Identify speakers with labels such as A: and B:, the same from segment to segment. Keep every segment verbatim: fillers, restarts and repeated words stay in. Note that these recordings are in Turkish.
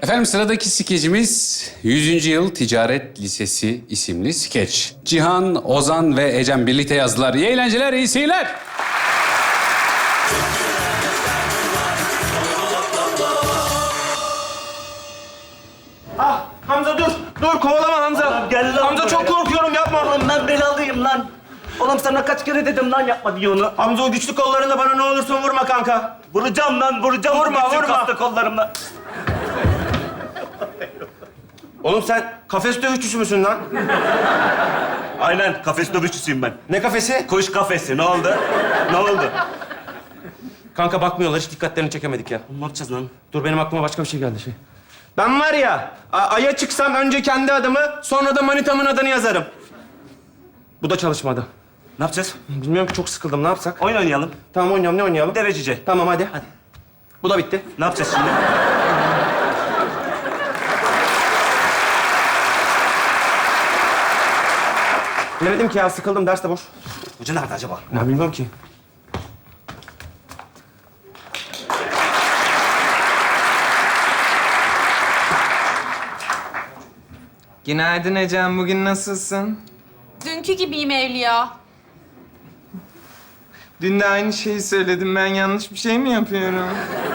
A: Efendim sıradaki skecimiz yüzüncü Yıl Ticaret Lisesi isimli skeç. Cihan, Ozan ve Ecem birlikte yazdılar. İyi eğlenceler, iyi seyirler.
B: Ah Hamza dur. Dur kovalama Hamza.
C: Oğlum, gel lan
B: Hamza
C: buraya.
B: çok korkuyorum yapma.
C: Oğlum ben belalıyım lan. Oğlum sana kaç kere dedim lan yapma diye onu.
B: Hamza o güçlü kollarında bana ne olursun vurma kanka.
C: Vuracağım lan vuracağım.
B: Vurma,
C: bu küçük
B: vurma.
C: hasta kollarımla.
B: Oğlum sen kafes dövüşçüsü müsün lan?
C: Aynen kafes dövüşçüsüyüm ben.
B: Ne kafesi?
C: Kuş kafesi ne oldu? Ne oldu?
B: Kanka bakmıyorlar hiç dikkatlerini çekemedik ya.
C: Ne yapacağız lan?
B: Dur benim aklıma başka bir şey geldi şey. Ben var ya a- Ay'a çıksam önce kendi adımı sonra da manitamın adını yazarım. Bu da çalışmadı.
C: Ne yapacağız?
B: Bilmiyorum ki çok sıkıldım ne yapsak?
C: Oyun oynayalım.
B: Tamam oynayalım ne oynayalım?
C: Derecece.
B: Tamam hadi. Hadi. Bu da bitti.
C: Ne yapacağız şimdi?
B: Bilemedim ki ya sıkıldım ders de boş.
C: Hoca nerede acaba?
B: Ne bilmiyorum ki.
D: Günaydın Ecem, bugün nasılsın?
E: Dünkü gibiyim Evliya.
D: Dün de aynı şeyi söyledim, ben yanlış bir şey mi yapıyorum?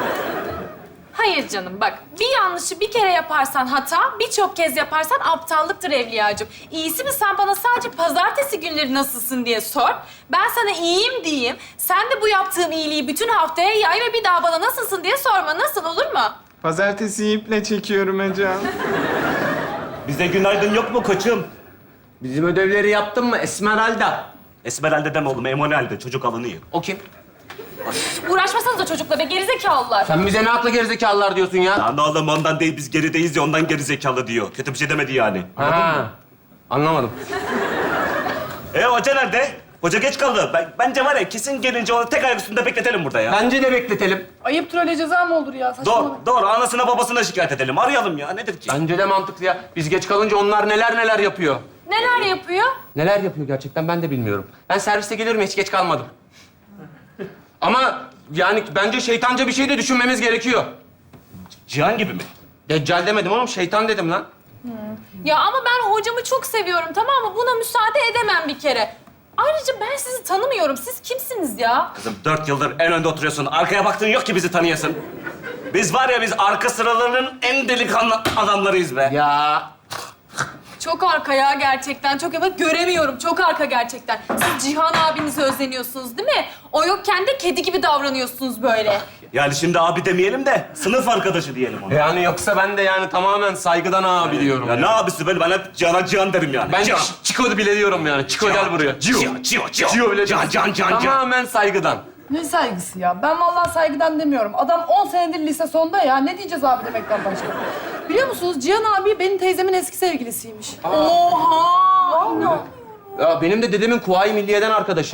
E: Hayır canım bak, bir yanlışı bir kere yaparsan hata, birçok kez yaparsan aptallıktır Evliyacığım. İyisi mi sen bana sadece pazartesi günleri nasılsın diye sor. Ben sana iyiyim diyeyim. Sen de bu yaptığım iyiliği bütün haftaya yay ve bir daha bana nasılsın diye sorma. Nasıl olur mu?
D: Pazartesi iple çekiyorum Ecem.
C: Bize günaydın yok mu koçum?
B: Bizim ödevleri yaptın mı Esmeralda?
C: Esmeralde deme oğlum, Emanuel'de çocuk alınıyor.
B: O kim?
E: Uğraşmasanız da çocukla be gerizekalılar.
B: Sen bize ne akla gerizekalılar diyorsun ya?
C: Lan oğlum ondan değil, biz gerideyiz ya ondan geri zekalı diyor. Kötü bir şey demedi yani.
B: Ha, anlamadım.
C: E hoca nerede? Hoca geç kaldı. Ben, bence var ya kesin gelince onu tek ayak üstünde bekletelim burada ya.
B: Bence de bekletelim.
F: Ayıptır öyle ceza mı olur ya? Saçmalama.
C: Doğru, doğru. Anasına babasına şikayet edelim. Arayalım ya. Nedir ki?
B: Bence de mantıklı ya. Biz geç kalınca onlar neler neler yapıyor.
E: Neler yapıyor?
B: Neler yapıyor gerçekten ben de bilmiyorum. Ben serviste geliyorum hiç geç kalmadım. Ama yani bence şeytanca bir şey de düşünmemiz gerekiyor.
C: Cihan gibi mi?
B: Deccal demedim oğlum, şeytan dedim lan.
E: Ya ama ben hocamı çok seviyorum tamam mı? Buna müsaade edemem bir kere. Ayrıca ben sizi tanımıyorum. Siz kimsiniz ya?
C: Kızım dört yıldır en önde oturuyorsun. Arkaya baktığın yok ki bizi tanıyasın. Biz var ya biz arka sıralarının en delikanlı adamlarıyız be.
B: Ya
E: Çok arka ya gerçekten. Çok evet göremiyorum. Çok arka gerçekten. Siz Cihan abinizi özleniyorsunuz değil mi? O yokken de kedi gibi davranıyorsunuz böyle.
C: Yani şimdi abi demeyelim de sınıf arkadaşı diyelim ona.
B: yani yoksa ben de yani tamamen saygıdan abi diyorum.
C: Ya
B: yani.
C: ne abisi böyle ben hep Cihan'a Cihan derim yani.
B: Ben
C: Cihan.
B: Ç- Çiko bile diyorum yani. Çiko gel buraya. Cio.
C: Cihan, Cihan, Cihan.
B: Cio bile
C: Cihan, Cihan, Cihan, Cihan.
B: Tamamen saygıdan.
F: Ne saygısı ya? Ben vallahi saygıdan demiyorum. Adam on senedir lise sonda ya. Ne diyeceğiz abi demekten başka? Biliyor musunuz Cihan abi benim teyzemin eski sevgilisiymiş.
E: Oha!
F: Vallahi.
B: Ya benim de dedemin Kuvayi Milliye'den arkadaşı.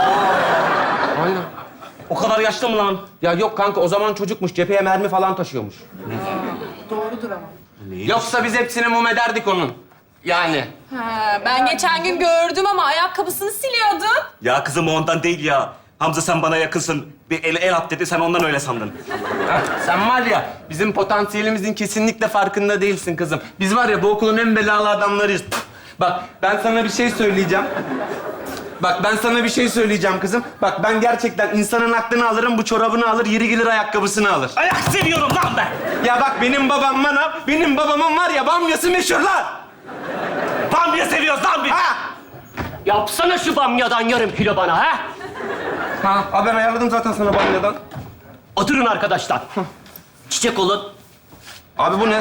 B: Aynen.
C: O kadar yaşlı mı lan?
B: Ya yok kanka o zaman çocukmuş. Cepheye mermi falan taşıyormuş.
F: Doğrudur ama.
B: Yoksa biz hepsini mum ederdik onun. Yani.
E: Ha, ben geçen gün gördüm ama ayakkabısını siliyordu.
C: Ya kızım o ondan değil ya. Hamza sen bana yakınsın. Bir el, el at dedi sen ondan öyle sandın.
B: Heh, sen var ya bizim potansiyelimizin kesinlikle farkında değilsin kızım. Biz var ya bu okulun en belalı adamlarıyız. Bak ben sana bir şey söyleyeceğim. Bak ben sana bir şey söyleyeceğim kızım. Bak ben gerçekten insanın aklını alırım, bu çorabını alır, yeri gelir ayakkabısını alır.
C: Ayak seviyorum lan ben.
B: Ya bak benim babam bana, benim babamın var ya bamyası meşhur lan.
C: Bamya seviyoruz lan biz.
B: Ha!
G: Yapsana şu bamyadan yarım kilo bana ha?
B: Ha, ha ben ayarladım zaten sana bamyadan.
G: Oturun arkadaşlar. Çiçek olun.
B: Abi bu ne?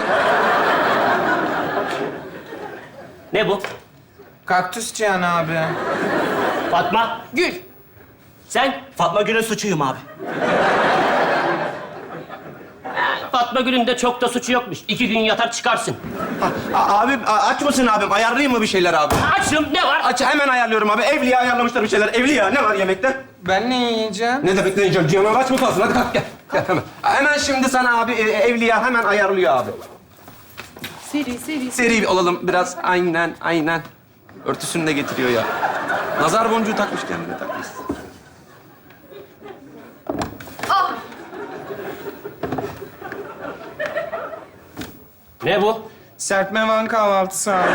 G: Ne bu?
D: Kaktüs Cihan abi.
G: Fatma.
E: Gül.
G: Sen?
C: Fatma Gül'ün suçuyum abi.
G: Fatma Gül'ün de çok da suçu yokmuş. İki gün yatar çıkarsın.
B: Ha, a- abi a- aç mısın abim? Ayarlayayım mı bir şeyler abi?
G: Açım ne var?
B: Aç hemen ayarlıyorum abi. Evliya ayarlamışlar bir şeyler. Evliya ne var yemekte?
D: Ben ne yiyeceğim?
B: Ne demek ne yiyeceğim? Cihan'a aç mı kalsın? Hadi kalk gel. Gel hemen. Hemen şimdi sana abi e, Evliya hemen ayarlıyor abi.
F: Seri seri.
B: Seri olalım biraz. Aynen aynen. Örtüsünü de getiriyor ya. Nazar boncuğu takmış kendine takmış.
G: Ne bu?
D: Serpme Van kahvaltısı abi.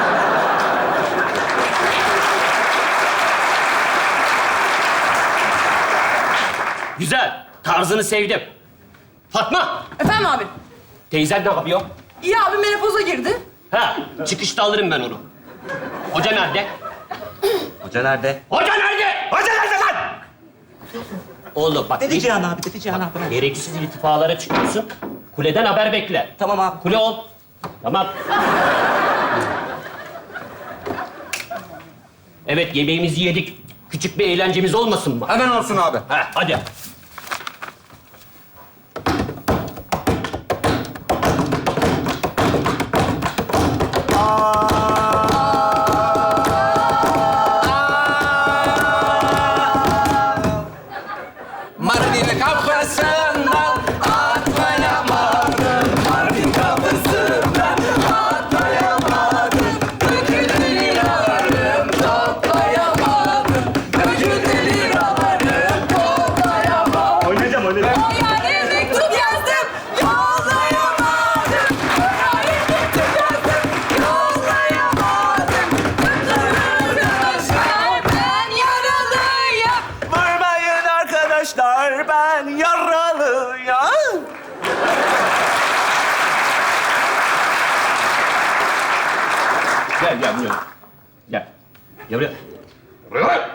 G: Güzel. Tarzını sevdim. Fatma,
F: Efendim abi?
G: teyzen ne yapıyor?
F: İyi abi menopoza girdi.
G: Ha, çıkışta alırım ben onu. Hoca nerede?
C: Hoca nerede?
G: Hoca nerede?
C: Hoca nerede lan?
G: Oğlum bak,
C: Dedi Cihan abi, dedi Cihan abi.
G: gereksiz irtifalara çıkıyorsun. Kuleden haber bekle.
C: Tamam abi.
G: Kule ol. Tamam. Evet, yemeğimizi yedik. Küçük bir eğlencemiz olmasın mı?
B: Hemen olsun abi.
G: Ha, hadi.
B: Mardin kapısından atlayamadım. Mardin kapısından atlayamadım. Döküldü liralarım toplayamadım. Döküldü liralarım toplayamadım.
C: Oynayacağım, oynayacağım.
E: O yani mektup yazdım, yollayamadım. Oraya mektup yazdım, yollayamadım. Arkadaşlar ben yaralıyım.
C: Vurmayın arkadaşlar, ben yaralıyım.
G: Gel, gel buraya. Gel. Gel buraya. Buraya.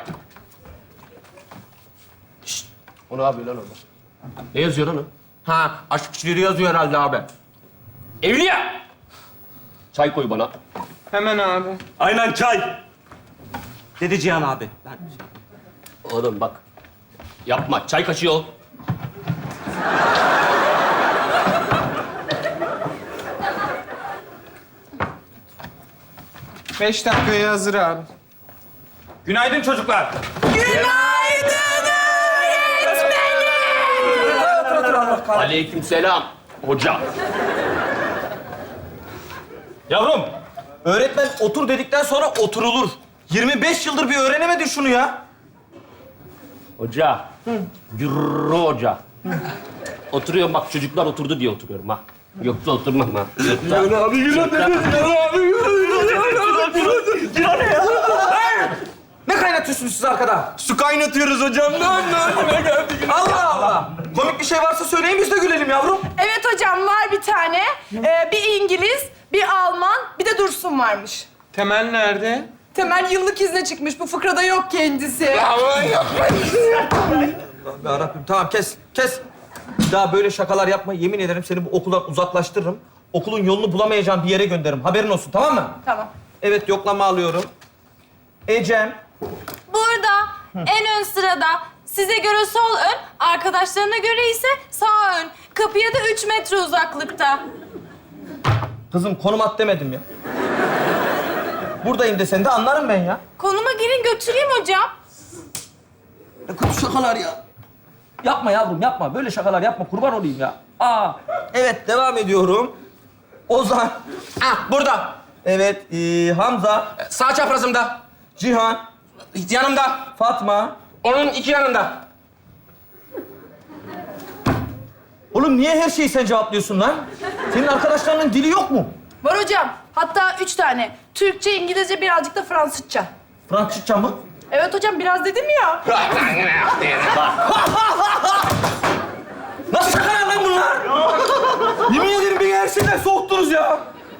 G: Şşt. O ne yapıyor lan orada? Ne yazıyor lan o?
B: Ha, aşk şiiri yazıyor herhalde abi.
G: Evliya! Çay koy bana.
D: Hemen abi.
C: Aynen çay. Dedi Cihan abi. Ben...
G: Oğlum bak. Yapma. Çay kaşığı ol.
D: Beş dakikaya hazır abi.
C: Günaydın çocuklar.
G: Aleykümselam hoca.
H: Yavrum, öğretmen otur dedikten sonra oturulur. yirmi beş yıldır bir öğrenemedin şunu ya.
G: Hoca. Yürü hoca. Oturuyorum bak çocuklar oturdu diye oturuyorum ha. Yoksa oturmam ha. Yoksa...
C: Abi yürü dedi. Abi yürü.
H: Ne kaynatıyorsunuz siz arkada?
D: Su kaynatıyoruz hocam. Ne ne geldik?
H: Allah Allah! Komik bir şey varsa söyleyin biz de gülelim yavrum.
F: Evet hocam var bir tane. Ee, bir İngiliz, bir Alman, bir de Dursun varmış.
D: Temel nerede?
F: Temel yıllık izne çıkmış. Bu fıkrada yok kendisi.
H: Ya Rabbim tamam kes, kes. Bir daha böyle şakalar yapma. Yemin ederim seni bu okuldan uzaklaştırırım. Okulun yolunu bulamayacağım bir yere gönderirim. Haberin olsun tamam mı?
F: Tamam.
H: Evet yoklama alıyorum. Ecem.
E: Burada en ön sırada size göre sol ön, arkadaşlarına göre ise sağ ön. Kapıya da üç metre uzaklıkta.
H: Kızım konum at demedim ya. Buradayım desen de anlarım ben ya.
E: Konuma girin götüreyim hocam.
H: Ne kötü şakalar ya. Yapma yavrum yapma. Böyle şakalar yapma. Kurban olayım ya. Aa. Evet devam ediyorum. Ozan.
B: Ah, burada.
H: Evet ee, Hamza.
B: Sağ çaprazımda.
H: Cihan.
B: Yanımda.
H: Fatma.
B: Onun iki yanında.
H: Oğlum niye her şeyi sen cevaplıyorsun lan? Senin arkadaşlarının dili yok mu?
F: Var hocam. Hatta üç tane. Türkçe, İngilizce, birazcık da Fransızca.
H: Fransızca mı?
F: Evet hocam biraz dedim ya.
H: Nasıl şakalar lan bunlar? Yemin ederim beni her şeyden soğuttunuz ya.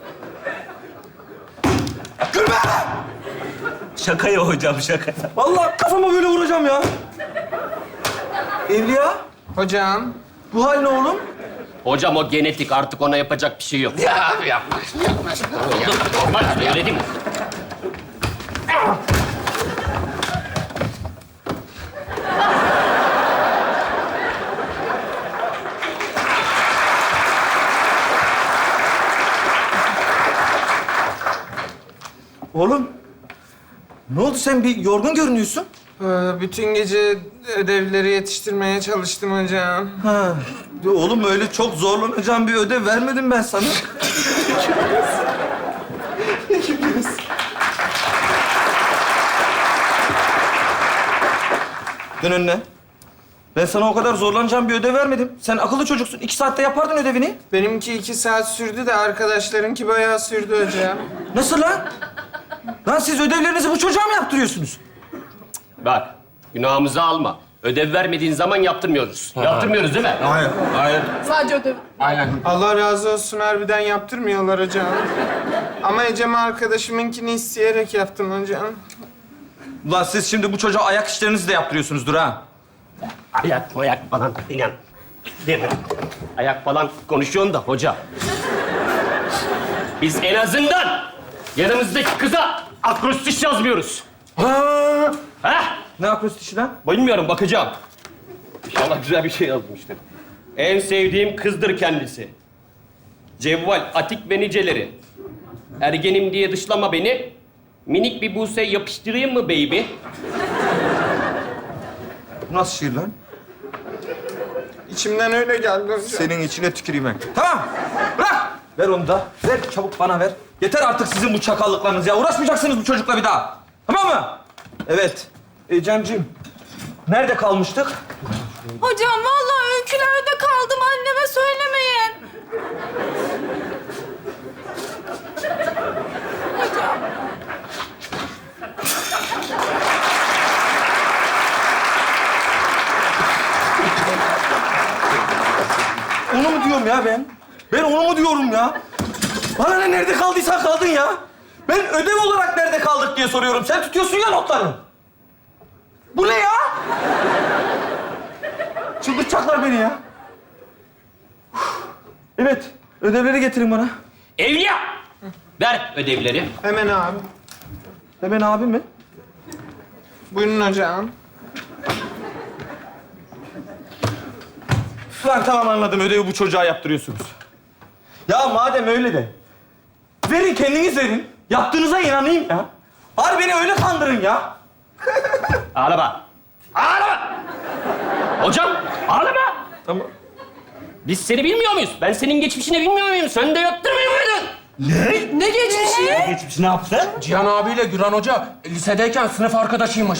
H: Gülme!
C: Şaka ya hocam, şaka.
H: Vallahi kafama böyle vuracağım ya. Evliya,
D: Hocam.
H: bu hal ne oğlum?
G: Hocam o genetik artık ona yapacak bir şey yok.
B: Ya abi yapma.
G: Oğlum normal söyledim.
H: Oğlum, ne oldu sen bir yorgun görünüyorsun?
D: Ee, bütün gece ödevleri yetiştirmeye çalıştım hocam.
H: Ha. Oğlum öyle çok zorlanacağım bir ödev vermedim ben sana. Dön önüne. Ben sana o kadar zorlanacağım bir ödev vermedim. Sen akıllı çocuksun. İki saatte yapardın ödevini.
D: Benimki iki saat sürdü de arkadaşlarınki bayağı sürdü hocam.
H: Nasıl lan? Lan siz ödevlerinizi bu çocuğa mı yaptırıyorsunuz?
G: Bak, günahımızı alma. Ödev vermediğin zaman yaptırmıyoruz. Yaptırmıyoruz değil mi?
H: Hayır, hayır.
F: Sadece ödev.
D: Allah razı olsun harbiden yaptırmıyorlar hocam. Ama Ecem arkadaşımınkini isteyerek yaptım hocam.
H: Ulan siz şimdi bu çocuğa ayak işlerinizi de yaptırıyorsunuzdur ha.
G: Ayak ayak falan inan. Değil mi? Ayak falan konuşuyorsun da hoca. Biz en azından yanımızdaki kıza akrostiş yazmıyoruz.
H: Ha.
G: Ha?
H: Ne akrostişi lan?
G: Bilmiyorum, bakacağım. İnşallah güzel bir şey yazmıştır. En sevdiğim kızdır kendisi. Cevval, atik ve niceleri. Ergenim diye dışlama beni. Minik bir buse yapıştırayım mı baby?
H: Bu nasıl şiir lan?
D: İçimden öyle geldi hocam.
H: Senin içine tüküreyim ben. Tamam, bırak. Ver onu da. Ver, çabuk bana ver. Yeter artık sizin bu çakallıklarınız ya. Uğraşmayacaksınız bu çocukla bir daha. Tamam mı? Evet. Ecem'cim, nerede kalmıştık?
E: Hocam vallahi öykülerde kaldım. Anneme söylemeyin.
H: Onu mu diyorum ya ben? Ben onu mu diyorum ya? Bana ne, nerede kaldıysan kaldın ya. Ben ödev olarak nerede kaldık diye soruyorum. Sen tutuyorsun ya notları. Bu ne ya? Çıldırtacaklar beni ya. Uf. Evet, ödevleri getirin bana.
G: Evliya! Ver ödevleri.
D: Hemen abi.
H: Hemen abi mi?
D: Buyurun hocam.
H: Lan tamam anladım, ödevi bu çocuğa yaptırıyorsunuz. Ya madem öyle de, verin kendiniz verin. Yaptığınıza inanayım ya. Bari beni öyle kandırın ya.
G: Ağlama. Ağlama! Hocam, ağlama!
H: Tamam.
G: Biz seni bilmiyor muyuz? Ben senin geçmişini bilmiyor muyum? Sen de yaptırmıyor muydun?
F: Ne geçmişi?
C: Geçmiş ne yaptı?
B: Cihan abiyle Güran Hoca lisedeyken sınıf arkadaşıymış.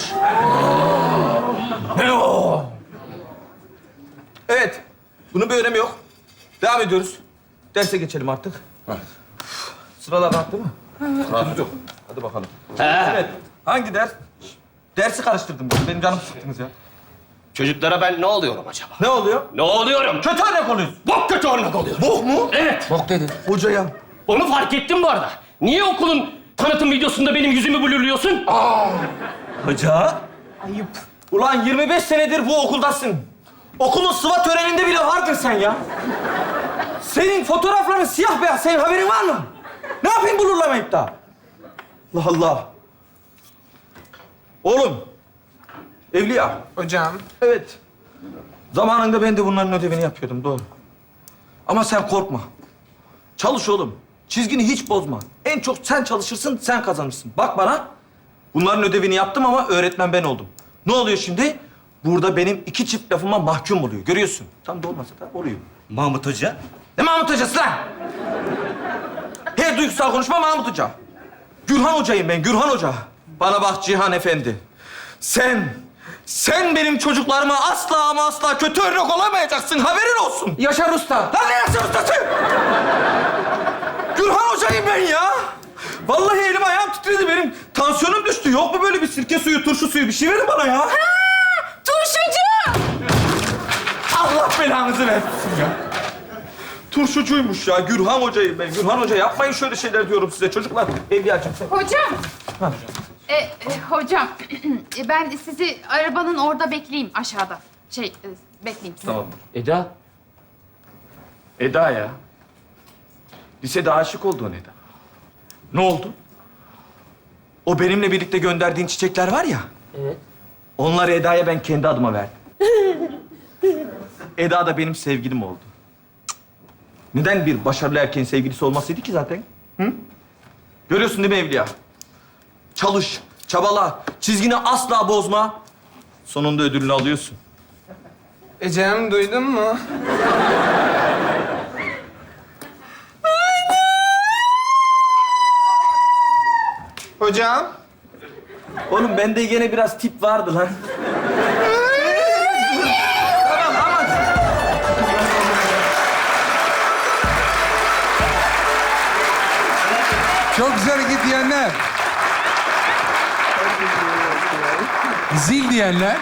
H: Evet, bunun bir önemi yok. Devam ediyoruz. Derse geçelim artık. Sıralar rahattı mı? Rahat yok. Hadi bakalım.
G: He.
H: Evet, hangi ders? Dersi karıştırdım ben. Benim canım sıktınız ya.
G: Çocuklara ben ne oluyorum acaba?
H: Ne oluyor?
G: Ne oluyorum?
H: Kötü örnek oluyorsun.
G: Bok kötü örnek oluyorum.
H: Bok mu?
G: Evet.
B: Bok dedi.
H: Hocaya.
G: Onu fark ettim bu arada. Niye okulun tanıtım videosunda benim yüzümü blurluyorsun?
H: Hoca? Ayıp. Ulan yirmi beş senedir bu okuldasın. Okulun sıva töreninde bile vardın sen ya. Senin fotoğrafların siyah beyaz. Senin haberin var mı? Ne yapayım blurlamayıp da? Allah Allah. Oğlum. Evliya.
D: Hocam.
H: Evet. Zamanında ben de bunların ödevini yapıyordum, doğru. Ama sen korkma. Çalış oğlum. Çizgini hiç bozma. En çok sen çalışırsın, sen kazanırsın. Bak bana. Bunların ödevini yaptım ama öğretmen ben oldum. Ne oluyor şimdi? Burada benim iki çift lafıma mahkum oluyor. Görüyorsun. Tam da olmasa da oluyor.
C: Mahmut Hoca.
H: Ne Mahmut Hocası lan? Her duygusal konuşma Mahmut Hoca. Gürhan Hoca'yım ben, Gürhan Hoca. Bana bak Cihan Efendi. Sen, sen benim çocuklarıma asla ama asla kötü örnek olamayacaksın. Haberin olsun.
D: Yaşar Usta.
H: Lan ne Yaşar Ustası? Gürhan Hoca'yım ben ya. Vallahi elim ayağım titredi benim. Tansiyonum düştü. Yok mu böyle bir sirke suyu, turşu suyu? Bir şey verin bana ya.
E: Turşucu!
H: Allah belanızı versin ya. Turşucuymuş ya. Gürhan Hoca'yım ben. Gürhan Hoca yapmayın şöyle şeyler diyorum size çocuklar. Evliyacığım sen.
I: Hocam. E, e, hocam, e, ben sizi arabanın orada bekleyeyim aşağıda. Şey, e, bekleyeyim sizi.
H: Tamam.
G: Eda.
H: Eda ya. Lisede aşık oldun Eda. Ne oldu? O benimle birlikte gönderdiğin çiçekler var ya.
G: Evet.
H: Onları Eda'ya ben kendi adıma verdim. Eda da benim sevgilim oldu. Cık. Neden bir başarılı erkeğin sevgilisi olmasıydı ki zaten? Hı? Görüyorsun değil mi Evliya? Çalış, çabala, çizgini asla bozma. Sonunda ödülünü alıyorsun.
D: Ecem duydun mu? Hocam.
H: Oğlum bende yine biraz tip vardı lan.
J: Çok güzel hareket diyenler. Zil diyenler.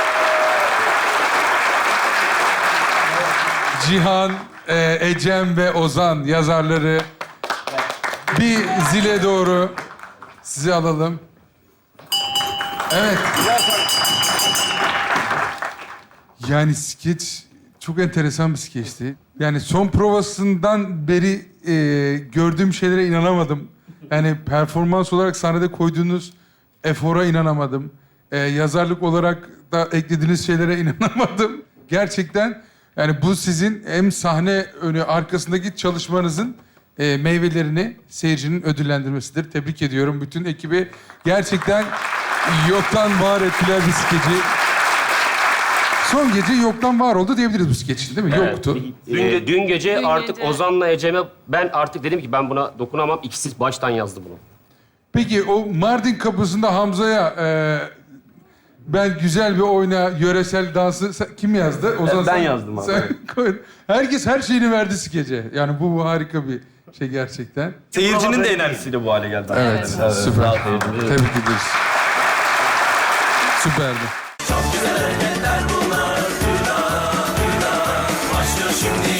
J: Cihan, e, Ecem ve Ozan yazarları. Bir zile doğru sizi alalım. Evet. Yani skeç çok enteresan bir skeçti. Yani son provasından beri e, gördüğüm şeylere inanamadım. Yani performans olarak sahnede koyduğunuz efora inanamadım. E, yazarlık olarak da eklediğiniz şeylere inanamadım. Gerçekten yani bu sizin hem sahne önü arkasındaki çalışmanızın e, meyvelerini seyircinin ödüllendirmesidir. Tebrik ediyorum bütün ekibi. Gerçekten yoktan var ettiler bir skeci. Son gece yoktan var oldu diyebiliriz bu skeçin değil mi? Yoktu.
G: Dün, dün gece
E: Dün
G: artık
E: gece.
G: Ozan'la Ecem'e ben artık dedim ki ben buna dokunamam. İkisi baştan yazdı bunu.
J: Peki o Mardin kapısında Hamza'ya e, ben güzel bir oyna yöresel dansı sen- kim yazdı? O zaman
B: ben
J: sen-
B: yazdım abi.
J: sen koy- Herkes her şeyini verdi skece. Yani bu, bu harika bir şey gerçekten.
B: Seyircinin de enerjisiyle bu hale geldi.
J: Evet, süper. Tebrik ederiz. Süperdi.
K: Çok güzel hareketler bunlar. Başlıyor şimdi